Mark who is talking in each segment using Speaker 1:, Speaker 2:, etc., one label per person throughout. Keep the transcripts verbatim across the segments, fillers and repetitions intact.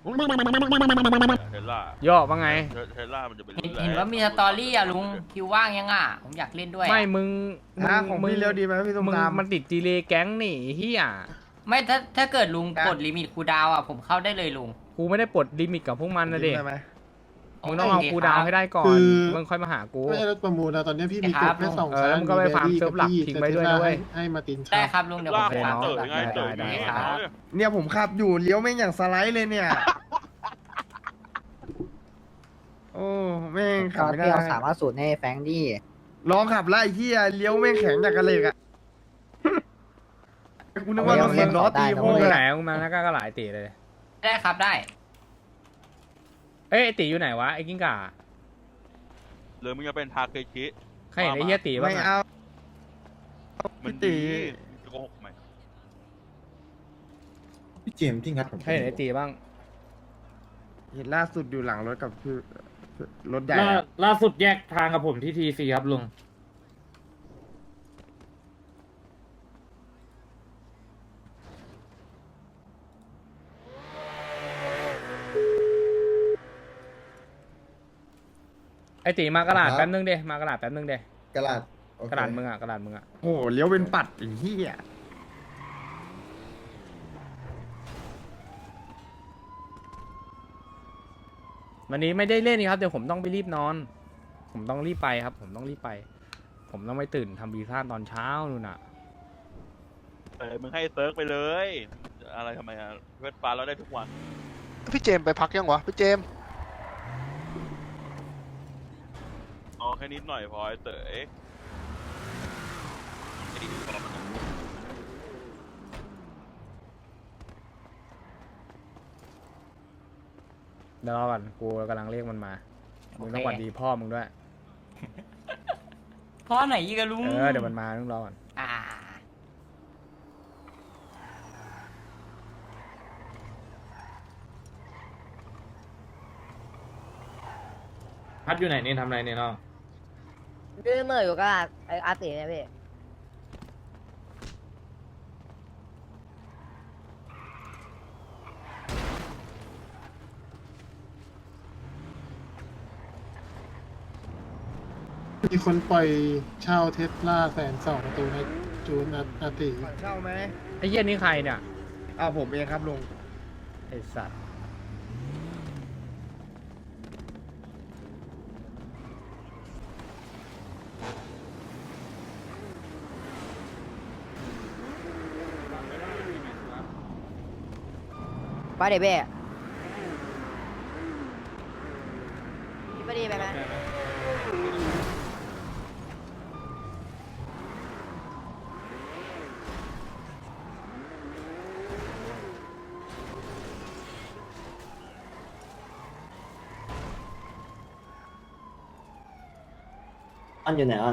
Speaker 1: เทสลา
Speaker 2: ย่อว่าไง
Speaker 1: เทสลามันจะเป็น
Speaker 3: เห็นเห็นว่ามีสตอรี่อะลุงคิวว่างยังอ่ะผมอยากเล่นด้วยอะ
Speaker 2: ไม่มึงมึ
Speaker 4: ฮะของพี่เร็วดีไหมพี่ตุ้ม
Speaker 2: มึง
Speaker 4: ตาม
Speaker 2: มันติดดีเลย์แก๊งนี่เฮีย
Speaker 3: ไม่ถ้าถ้าเกิดลุง
Speaker 4: ครับ
Speaker 3: กดลิมิตคูลดาวน์อ่ะผมเข้าได้เลยลุง
Speaker 2: กูไม่ได้ปลดลิมิตกับพวกมันนะเด็ก
Speaker 4: ได้ไหม
Speaker 2: มึงต้องเอา
Speaker 3: โอเค
Speaker 2: กูดาวน์ให้ได้ก่อน
Speaker 5: คือ
Speaker 2: มึงค่อยมาหากู
Speaker 5: ไม่ใช่รถประมูลนะตอนนี้พี่มี
Speaker 3: ค
Speaker 5: ก
Speaker 3: รั
Speaker 5: ด
Speaker 3: บ
Speaker 5: แค่สอง
Speaker 2: เออแล้วมึงก็ไปฟาร์มเซิร์ฟหลักทิ้งไว้ด้วยนะเว้ย
Speaker 5: ให้มาติน
Speaker 3: ได้ครับลุงเดี๋ยวผ
Speaker 1: ลาม ก
Speaker 3: ไป
Speaker 1: มา
Speaker 3: ฟาร์ม
Speaker 1: เต๋อ
Speaker 3: หลัก
Speaker 1: ไงเต๋อ
Speaker 2: ได้
Speaker 1: อย่าง
Speaker 2: ได้
Speaker 1: เงี้ย
Speaker 3: ครับ
Speaker 4: เนี่ยผมขับอยู่เลี้ยวแม่งอย่างสไลด์เลยเนี่ย โอ้แม่งขับไม่ได้
Speaker 6: พี่เอาสามารถสูตรให้แฟรงค์ดิ
Speaker 4: ลองขับไล่ที่เลี้ยวแม่งแข็งจากกระเหล็กอะกูนึกว่ารถสิบล้อตี
Speaker 2: มึ
Speaker 4: โค้
Speaker 2: ง
Speaker 4: ง
Speaker 2: ไป
Speaker 4: อะ
Speaker 2: ไหนมึงมาแล้วก็หลายตีเลย
Speaker 3: ได้ครับได้
Speaker 2: เอ้ยไอตีอยู่ไหนวะไอ้กิ้งก่า
Speaker 1: หรือมึงจะเป็นทาเคชิ
Speaker 2: ใครเห็นไอ้เฮียตีบ้า
Speaker 4: ไม่
Speaker 2: งอะ
Speaker 4: เอา
Speaker 1: มัน
Speaker 4: ตี
Speaker 1: ดีจะโกหกไหม
Speaker 7: พี่เจมส์ที่งัดผม
Speaker 2: ใครเห็นไอ้ตีบ้าง
Speaker 4: เห็นล่าสุดอยู่หลังรถกับคือรถใหญ่
Speaker 8: ล่า
Speaker 4: อะ
Speaker 8: ล่าสุดแยกทางกับผมที่ทีซีครับลุง
Speaker 2: ไอ้ตีมากระดาษแป๊บนึงเดมากระดาษแป๊บนึงเด
Speaker 7: กระดาษโอเค
Speaker 2: กระดาษมึงอะกระดาษมึงอะ
Speaker 4: โอ้โหเลี้ยวเป็นปัดไอ้เหี้ย
Speaker 2: วันนี้ไม่ได้เล่นนี่ครับเดี๋ยวผมต้องไปรีบนอน ผมต้องรีบไปครับ ผมต้องรีบไป ผมต้องไปตื่นทำวีซ่าตอนเช้านู่นน่ะ
Speaker 1: เออมึงให้เซิร์ฟไปเลย อะไรทำไมอะเวทฟ้าเราได้ทุกวัน
Speaker 9: พี่เจมส์ไปพักยังวะ พี่เจมส์
Speaker 1: เอาแค่นิดหน่อยพอไอ้เต๋อ
Speaker 2: เดี๋ยวรอก่อนกูกำลังเรียกมันมา มึงต้องหวัดดีพ่อมึงด้วย
Speaker 3: พ่อไหนอีกอะลุง
Speaker 2: เออเดี๋ยวมันมาต้องรอก่อน
Speaker 3: อ่า
Speaker 8: พัดอยู่ไหนนี่ทำอะไรเนี่ยน้อง
Speaker 6: ดื้อเมื่ออยู่ก็ไออาร์ติเนี่ยพี่
Speaker 5: มีคนปล่อยเช่าเทสลาแสนสองประตูในจูนอาติ
Speaker 4: ก่อนเช่าไหม
Speaker 2: ไอ้เหี้ยนี่ใครเนี่ย
Speaker 4: อ้าวผมเองครับลุง
Speaker 2: ไอ้สัตว์
Speaker 6: ไปเดี๋ยวเบ้พี่ไปดีไปไหม อันอยู่ไหนอัน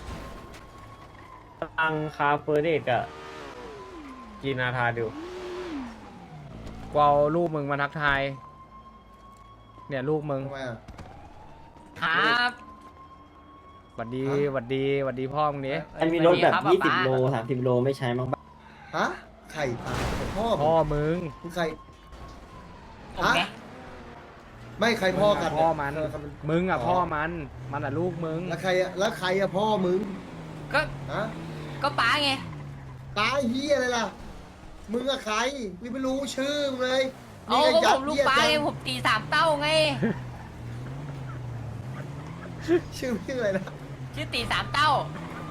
Speaker 8: ตังคาเฟอร์เดกอะกินอาทาดู
Speaker 2: กูเอาลูกมึงมาทักทาย เนี่ยลูกมึง
Speaker 7: ทำไมอ่ะ
Speaker 3: ครับ
Speaker 2: หวัดดีหวัดดีหวัดดีพ่อมึงนี้
Speaker 6: มันมีรถแบบ
Speaker 3: สวัส
Speaker 6: ยี่
Speaker 3: ดี
Speaker 6: สิบ
Speaker 3: ครับ
Speaker 6: โลสามสิบโลไม่ใช้มั้ง
Speaker 7: ฮะ ไข่ตายพ่อ
Speaker 2: พ่อมึง
Speaker 7: คือใคร
Speaker 3: ผมไง
Speaker 7: ไม่ใครพ่อกัน
Speaker 2: พ่อมัน
Speaker 7: เย
Speaker 2: มึงอ่ะพ่อมัน มันอ่ะลูกมึง
Speaker 7: แล้วใครอะแล้วใครอะพ่อมึง
Speaker 3: ก็
Speaker 7: ฮะ
Speaker 3: ก็ป้าไง
Speaker 7: ตายเฮียอะไรล่ะ มึงอะใครกูไม่รู้ชื่อมึงเลย
Speaker 3: เอา
Speaker 7: นี่
Speaker 3: ก็
Speaker 7: ยั
Speaker 3: ผ
Speaker 7: ด
Speaker 3: มลูก
Speaker 7: เยียด
Speaker 3: ป้า
Speaker 7: จั
Speaker 3: ไง
Speaker 7: ง
Speaker 3: ผมตีสามเต้าไง
Speaker 7: ชื่อชื่ออะไรนะ
Speaker 3: ชื่อตีสามเต้า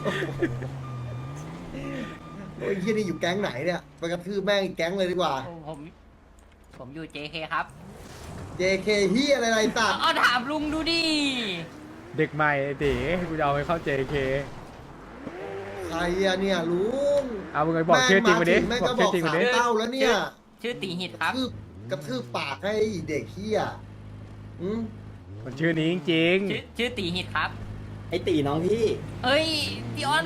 Speaker 7: โอ้ยเฮียนี่อยู่แก๊งไหนเนี่ยไปกระทืบแม่งอีกแก๊งเลยดีกว่า
Speaker 3: ผม ผมอยู่ เจ เค ครับ
Speaker 7: เจ เค เฮียอะไรไรตัด
Speaker 3: เอาถามลุงดูดิ
Speaker 2: เด็กใหม่ไอ้ตีกูจะเอาไปเข้า เจ เค
Speaker 7: ใครอะเนี่ยลุง
Speaker 2: เอามึงไปบอกชื่อจริงมาดิ
Speaker 7: แม่ง
Speaker 2: บอ
Speaker 7: ก็
Speaker 2: ก
Speaker 7: บ
Speaker 2: ชื่
Speaker 7: อ
Speaker 2: อก จริงมา
Speaker 7: สาม
Speaker 2: ดิ
Speaker 7: เต้าแล้วเนี่ย
Speaker 3: ชื่อตีหิต
Speaker 7: ก
Speaker 3: ครั
Speaker 7: ระ
Speaker 3: บ
Speaker 7: ทืบกระทืบปากให้เด็กเฮียอืม
Speaker 2: มันชื่อนี้จริง
Speaker 3: ชื่อชื่อตีหิตครับ
Speaker 6: ไอตีน้องพี่
Speaker 3: เอ้ยพี่ออน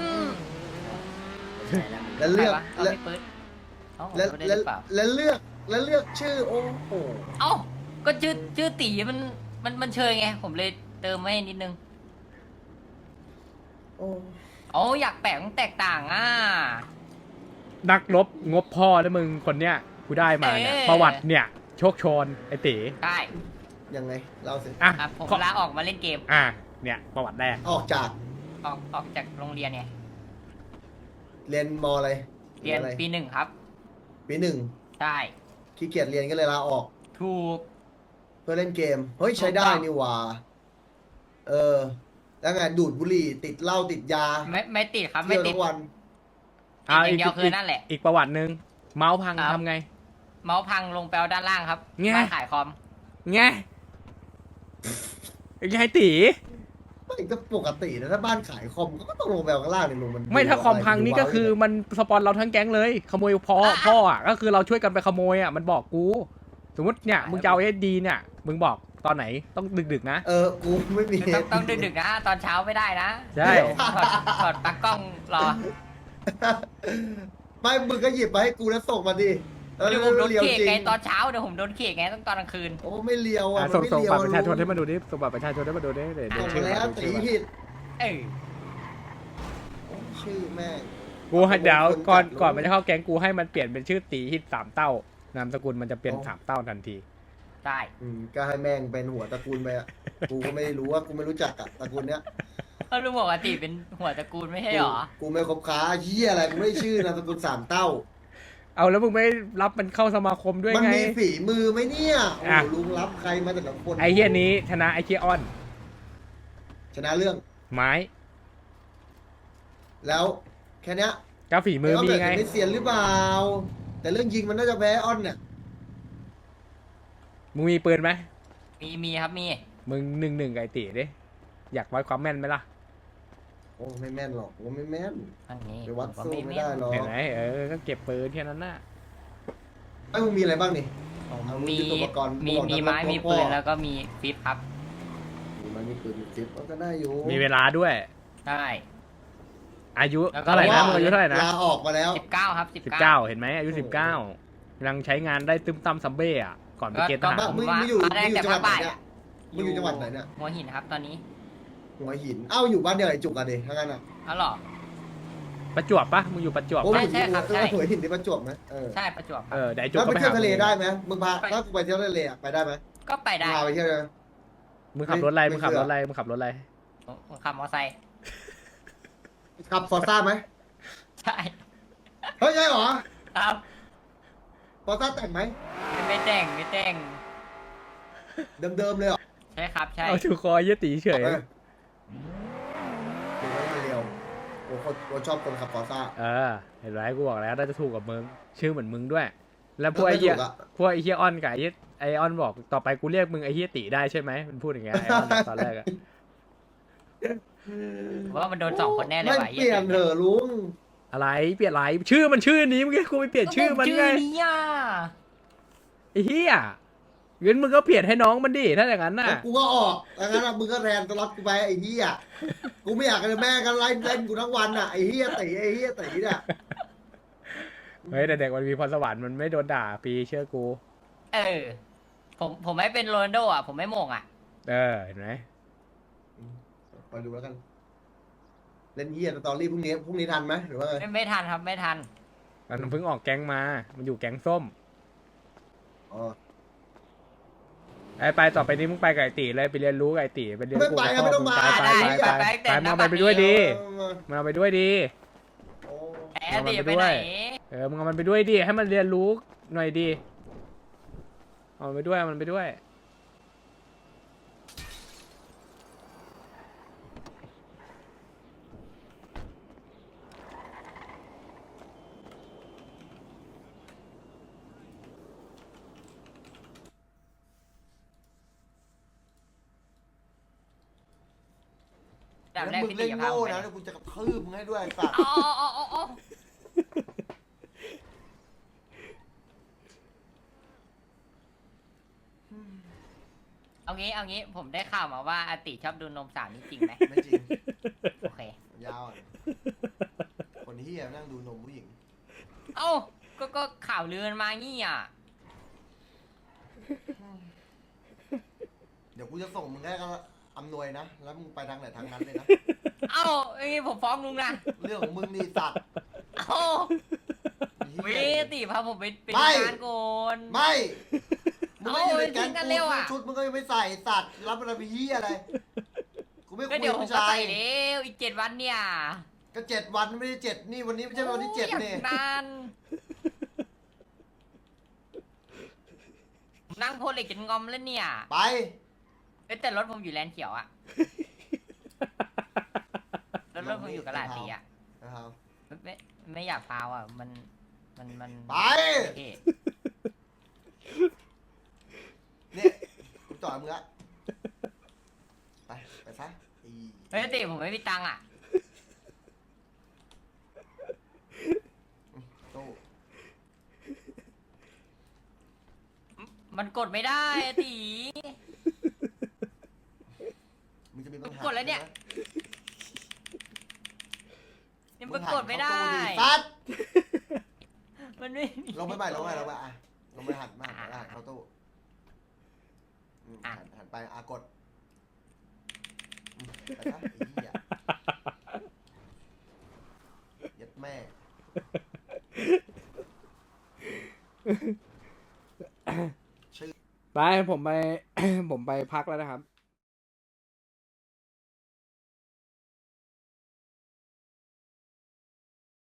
Speaker 7: แล้วเลือก
Speaker 3: ใครวะเอา
Speaker 7: แล้ว
Speaker 3: พี่ปื๊ดเอ้าผม
Speaker 7: แล้ว
Speaker 3: ไม่ได้ห
Speaker 7: แล้ว
Speaker 3: รือเปล่า
Speaker 7: แล้วเลือกแล้วเลือกชื่อโอ้โห
Speaker 3: เอ้า ก็ชื่อชื่อตีมันมันมันเชยไง ผมเลยเติมไว้นิดนึง
Speaker 7: โอ้
Speaker 3: อ๋ออยากแปลกแตกต่างอ่ะ
Speaker 2: ๆ นักรบงบพ่อแล้วมึงคนเนี้ยกูได้มาเนี่ย
Speaker 3: เอ๊ะ
Speaker 2: ประวัติเนี่ย โชชคโชนไอ้ตี
Speaker 3: ได้
Speaker 7: ยังไงเล่าสิ
Speaker 2: อ่ะ
Speaker 3: ครับผม
Speaker 2: ขอ
Speaker 3: ลาออกมาเล่นเกม
Speaker 2: อ่ะเนี่ยประวัติแรก
Speaker 7: ออกจาก
Speaker 3: ออกออกจากโรงเรียนเนี่ย
Speaker 7: เรียนมอะไร
Speaker 3: เรียน
Speaker 7: อะไร
Speaker 3: ปีหนึ่งครับ
Speaker 7: ปีหนึ่ง
Speaker 3: ได้
Speaker 7: ขี้เกียจเรียนก็เลยลาออก
Speaker 3: ถูก
Speaker 7: เพื่อเล่นเกม เฮ้ยใช้ได้นี่หว่า เออ แล้วไงดูดบุหรี่ ติดเหล้าติดยา
Speaker 3: ไม่ไม่ติดครับไม่
Speaker 7: เที่ยว
Speaker 3: ติด
Speaker 7: ทั้งวัน
Speaker 3: ติดอย่างเดียวคือนั่นแหละ
Speaker 2: อีกประวัติหนึ่งเมาส์พัง
Speaker 3: ครับ
Speaker 2: ทำไง
Speaker 3: เมาส์พังลงไปเอาด้านล่างครับ
Speaker 2: แง่
Speaker 3: ร้านขายคอม
Speaker 2: ไงไงตี
Speaker 7: ไม่ก็ปกตินะถ้าบ้านขายคอมก็ต้องลงไปเอาข้างล่างนี่ลงมัน
Speaker 2: ไม่ถ้าคอมพัง
Speaker 7: ดู
Speaker 2: นี่
Speaker 7: ว้าว
Speaker 2: ก็คือมันสปอนเราทั้งแก๊งเลย ขโมยพ่อพ่ออ่ะก็คือเราช่วยกันไปขโมยอ่ะมันบอกกู สมมติเนี่ยมึงจะเอาเอสดีเนี่ยมึงบอกตอนไหนต้องดึกๆนะ
Speaker 7: เออ กูไม่มี
Speaker 3: ต้องต้องดึกๆนะ ตอนเช้าไม่ได้นะ
Speaker 2: ใช่
Speaker 3: ถอดถอดปลั๊กกล้องรอ
Speaker 7: ไม่ มึงก็หยิบมาให้กูแล้วส่งมาดิเออ
Speaker 3: เดี๋ยวผมโดน
Speaker 7: เลียว
Speaker 3: เขก
Speaker 7: จริง
Speaker 3: ไงตอนเช้าเดี๋ยวผมโดนเขกไงต้องตอนกลางคืน
Speaker 7: โอ้ไม่เลียวอ่ะ
Speaker 2: อ่ะ
Speaker 7: มัน
Speaker 2: ส่ง
Speaker 7: ไม่
Speaker 2: ส่ง
Speaker 7: เลียว
Speaker 2: บัตรประชาชน
Speaker 7: ลุง
Speaker 2: ให้มาดูดิส่งบัตรประชาชนให้มาดูดิเดี๋ยวเดี๋ยว
Speaker 7: ส่ง
Speaker 2: ชื่
Speaker 7: มา
Speaker 2: อ
Speaker 7: แล้ว
Speaker 2: มา
Speaker 7: ตี
Speaker 2: ดูชื่อมา
Speaker 7: ผิด
Speaker 3: เออ
Speaker 7: โอ้ชื่อแม่ง
Speaker 2: กูให้เดี๋ยว
Speaker 7: คน
Speaker 2: ก่อน
Speaker 7: จัด
Speaker 2: ก่อน
Speaker 7: เลย
Speaker 2: มันจะเข้าแก๊งกูให้มันเปลี่ยนเป็นชื่อตีฮิตสามเต้านามสกุลมันจะเปลี่ยน
Speaker 7: โอ้
Speaker 2: สามเต้าทันที
Speaker 3: ได้
Speaker 7: อืมก็ให้แม่งเป็นหัวตระกูลไปอ่ะ กูก็ไม่รู้ว่ากูไม่รู้จักอ่ะตระกูลเนี้ย
Speaker 3: ก็รู้บอกว่าติเป็นหัวตระกูลไม่ใช่หรอ
Speaker 7: กูกูไม่คบค้าเหี้ยอะไรกูไม่ชื่อนามสกุลสามเต้า
Speaker 2: เอาแล้วมึงไม่รับมันเข้าสมาคมด้วย
Speaker 7: มัน
Speaker 2: ไง
Speaker 7: มีฝีมือไหมเนี่ยโอ้
Speaker 2: อ่ะ
Speaker 7: โหลุงรับใครมาแต่ละคน
Speaker 2: ไอ้เฮียนี้ชนะไอ้เฮียออน
Speaker 7: ชนะเรื่อง
Speaker 2: ไม้
Speaker 7: แล้วแค่เนี้ย
Speaker 2: ก็ฝีมือมีไง
Speaker 7: อ้นไม่เสียนหรือเปล่า แต่เรื่องยิงมันน่าจะแพ้อ้อนเนี่ย
Speaker 2: มึงมีปืนไหม
Speaker 3: มีมีครับมี
Speaker 2: มึงหนึ่งหนึ่งไก่ตีดิอยากวัดความแม่นไหมล่ะ
Speaker 7: โอ้ไม่แม่นหรอกผมไม่แม่น
Speaker 3: อันนี้
Speaker 7: ไปวัด
Speaker 3: ผมก็
Speaker 7: สู้
Speaker 3: ไม่
Speaker 7: ไม่
Speaker 3: แม่
Speaker 7: ได้
Speaker 3: น
Speaker 7: หรอก
Speaker 2: เห็นไหมเออก็เก็บปืนแค่นั้นน่ะ
Speaker 7: ไอ้มึงมีอะไรบ้างนี่
Speaker 3: ผม
Speaker 7: เอา
Speaker 3: มี
Speaker 7: ยุทโธปกรณ์
Speaker 3: มี
Speaker 7: บอก
Speaker 3: มี
Speaker 7: นะ
Speaker 3: ไม้
Speaker 7: ว่า
Speaker 3: มี
Speaker 7: พ่อ
Speaker 3: ปืนแล้วก็มีฟิปครับ
Speaker 7: มีไม้มีปืนมีจิ๊บก็ได้อยู่
Speaker 2: มีเวลาด้วย
Speaker 3: ได้
Speaker 2: อายุ
Speaker 3: แล้วก็
Speaker 2: เท่าไหร่นะ
Speaker 3: ว่า
Speaker 2: มึงอายุเท่าไหร่นะ
Speaker 7: ลาออกมาแล้ว
Speaker 3: สิบเก้าครับสิบ
Speaker 2: สิบ
Speaker 3: เก้า
Speaker 2: เก้าเห็นไหมอายุ
Speaker 7: โอ้โห
Speaker 2: สิบเก้ายังใช้งานได้ตึ้มตั้มซัมเบ้อะก่อนไปเกณฑ์ทหาร
Speaker 7: มึงมึงอยู่
Speaker 3: มาได้
Speaker 7: มึงอยู่
Speaker 3: แต่
Speaker 7: จังหวัดไหน
Speaker 3: ภาคบ่าย
Speaker 7: เนี่ย มึงอยู่จังหวัดไหนเนี่ย
Speaker 3: หัวหินครับตอนนี้
Speaker 7: หัวหิน เอ้าอยู่บ้านเดียวไอ้จุกอะดิทั้างนั้นอ่ะ
Speaker 3: อ๋อเหรอ
Speaker 2: ประจวบปะมึงอยู่ประจวบ
Speaker 7: โอ้
Speaker 2: ปะ
Speaker 7: ย
Speaker 3: ใช่ครับใช่
Speaker 7: หัวหินที่ประจวบไหมเออ
Speaker 3: ใช่ประจวบค
Speaker 2: เอ
Speaker 3: รับ
Speaker 2: อเดี๋ยวไอ้จุก
Speaker 7: แล้ว
Speaker 2: ก็
Speaker 7: ไป
Speaker 2: ไป
Speaker 7: เที่ย
Speaker 2: หาว
Speaker 7: ทะเล
Speaker 2: มึง
Speaker 7: ได้ไหมมึงพาถ้ากูไปเที่ยวทะเลอะไปได้ไหม
Speaker 3: ก็ไปได้
Speaker 7: พาไปเที่ยวเลย
Speaker 2: มึงขับรถอะไร
Speaker 7: ไม่
Speaker 2: มึงขับ
Speaker 7: เชื่
Speaker 2: ร
Speaker 7: อ
Speaker 2: ถอะไรมึงขับรถอะไร
Speaker 3: ผมผมขับมอเตอร์ไซค์
Speaker 7: ขับฟอร์ซ่าไหม
Speaker 3: ใช่
Speaker 7: เฮ้ยใช่เหรอ
Speaker 3: ครับ
Speaker 7: ฟอร์ซ่าแต่งไหม
Speaker 3: ไม่แต่งไม่แต่ง
Speaker 7: เดิมๆเลยเหรอ
Speaker 3: ใช่ครับใช่
Speaker 2: เอาถูกคอเยี่ยตีเฉย
Speaker 7: เออดูไว้มาเร็วโอ้คนคนชอบคนขับฟอร์ซ่า
Speaker 2: เออเห็นไหมกูบอกแล้วน่าจะถูกกับมึงชื่อเหมือนมึงด้วย แล้วพวกไอ้เหี้ย
Speaker 7: ไม่ถูกอะ
Speaker 2: พวกไอ้เหี้ยออนกับไอ้เหี้ยไอออนบอกต่อไปกูเรียกมึงไอ้เหี้ยตีได้ใช่ไหมมันพูดอย่างเงี้ยไอออนตอนแรกอะ
Speaker 3: ผมว่ามันโดนสองคนแน่เลย
Speaker 7: ไม่
Speaker 3: ว่ะ
Speaker 7: เปลี่ยนเถอะลุง
Speaker 2: อะไรเปลี่ยนอะไรชื่อมันชื่อนี้เมื่อกี้กูไปเปลี่ยนชื่อมัน
Speaker 3: ชื่
Speaker 2: ไง
Speaker 3: อนี้อ่ะ
Speaker 2: ไอ้เหี้ยงั้นมึงก็เปลี่ยนให้น้องมันดิถ้าอย่างนั้นน่ะ
Speaker 7: กูก็ออกดังนั้นอะมึงก็แทนตลอดกูไปไอ้เหี้ยกูไม่อยากให้แม่กันไล่เล่นกูทั้งวันอ่ะไอ้เหี้ยตีไอ้เหี้ยตีเนี่ย
Speaker 2: เฮ้ยแต่เด็กมันมีพรสวรรค์มันไม่โดนด่าปีเชื่อกู
Speaker 3: เออ ผมผมไม่เป็นโรนัลโดอ่ะผมไม่โมงอ่ะ
Speaker 2: เออเห็นไหม
Speaker 7: คอยดูแล้วกัน เล่นเหี้ยสตอรี่พรุ่งนี้พรุ่งนี้ทันไหมหรือว่าไง
Speaker 3: ไม่ไม่ทันครับไม่ทัน
Speaker 2: มันเพิ่งออกแก๊งมา มันอยู่แก๊งส้ม
Speaker 7: อ๋อ
Speaker 2: ไอ้ไปต่อไปนี้มึงไปกับไอ้ตีเลยไปเรียนรู้กับไอ้ตีไปเรียน
Speaker 7: ไม่
Speaker 2: รู้
Speaker 7: ไป
Speaker 2: กับ
Speaker 7: อะไม่
Speaker 2: พ่อ
Speaker 7: ต้อง
Speaker 2: มึง
Speaker 7: มา
Speaker 2: ไปไป
Speaker 3: ได้
Speaker 2: ไป
Speaker 3: ไป
Speaker 2: ไป
Speaker 3: แต่
Speaker 2: ไป
Speaker 3: หน้า
Speaker 2: มึงเอาไป
Speaker 3: บัตร
Speaker 2: ด้วยดี
Speaker 7: เออ
Speaker 2: มึงเอาไปด้วยดี
Speaker 7: โอ้
Speaker 3: แอดดิไปไหน
Speaker 2: เออมึงเอามันไปด้วยดิให้มันเรียนรู้หน่อยดีเอามันไปด้วยเอามันไปด้วย
Speaker 3: ดับ
Speaker 7: แล้ว
Speaker 3: แรก
Speaker 7: มึง
Speaker 3: พี่
Speaker 7: เล่
Speaker 3: ตี
Speaker 7: น
Speaker 3: พา
Speaker 7: โง่
Speaker 3: ผมไป
Speaker 7: นะแล้วกูจะกระทืบมึงให้ด้วยไอ้สัตว์
Speaker 3: อ๋ออ๋ออ๋ออ๋อเอางี้เอางี้ผมได้ข่าวมาว่าอาติชอบดูนมสาวนี่จริงไหม
Speaker 7: ไม่จริง
Speaker 3: โอเค
Speaker 7: ยาวอะคนเหี้ยนั่งดูนมผู้หญิง
Speaker 3: เอ้าก็ก็ข่าวลือมันมางี้อ่ะ
Speaker 7: เดี๋ยวกูจะส่งมึงให้ก็อำนวยนะ แล้วมึงไปทางไหนทางนั้นเลยนะ
Speaker 3: เอ้าไอ้ยผมฟ้องลุงนะ
Speaker 7: เรื่องของมึงนี่สัตว์
Speaker 3: เอ้า
Speaker 7: ไอ้
Speaker 3: เว
Speaker 7: เหี้ย
Speaker 3: ติพาผมไปไป
Speaker 7: ไม่
Speaker 3: งานก่อน
Speaker 7: ไม่มึงไม่อยู่ในแก๊ง
Speaker 3: เอาไปทิ้งกัน
Speaker 7: กู
Speaker 3: เร็วอะ
Speaker 7: ชุดมึงก็ยังไม่ใส่สัตว์รับอะไรไปเฮียอะไรกูไม่คุ
Speaker 3: ก็
Speaker 7: ย
Speaker 3: เดี๋ยว
Speaker 7: กับ
Speaker 3: ผม
Speaker 7: ผู้
Speaker 3: ก็
Speaker 7: ชาย
Speaker 3: ใส่เร็วอีกเจ็ดวันเนี่ย
Speaker 7: ก็เจ็ดวันไม่ได้เจ็ดนี่วันนี้ไม่ใช่วันที่เจ็ด
Speaker 3: โอ้ย
Speaker 7: นี่
Speaker 3: นานผมนั่งโพลเหล็กจนงอมแล้วเนี่ย
Speaker 7: ไป
Speaker 3: เอ้ยแต่รถผมอยู่แลนด์เขียวอะรถรถผมอยู่กระลาดสีอะ
Speaker 7: นะครับ
Speaker 3: ไม่ไม่ไม่อยากพาวอะมันมันมัน
Speaker 7: ไป
Speaker 3: เท่
Speaker 7: นี่กูจอดมึงละไปไปซะไอ้
Speaker 3: เฮ้ยติผมไม่มีตังค์อะ
Speaker 7: ตู้
Speaker 3: มันกดไม่ได้อะตี
Speaker 7: มึงจะมีปัญหา
Speaker 3: กูกดแล้วเนี่ย นี่มันกดไม่ได้
Speaker 7: ซัด
Speaker 3: มันไม่มี
Speaker 7: ลงไปใหม่ลงไปลงไปอ่ะลงไปหันมาหันหันเข้าตู้อืมหันหันไปอากดอืมไปซะไอ้เหี้ยยัดแม่
Speaker 2: ไปผมไป ผมไปพักแล้วนะครับ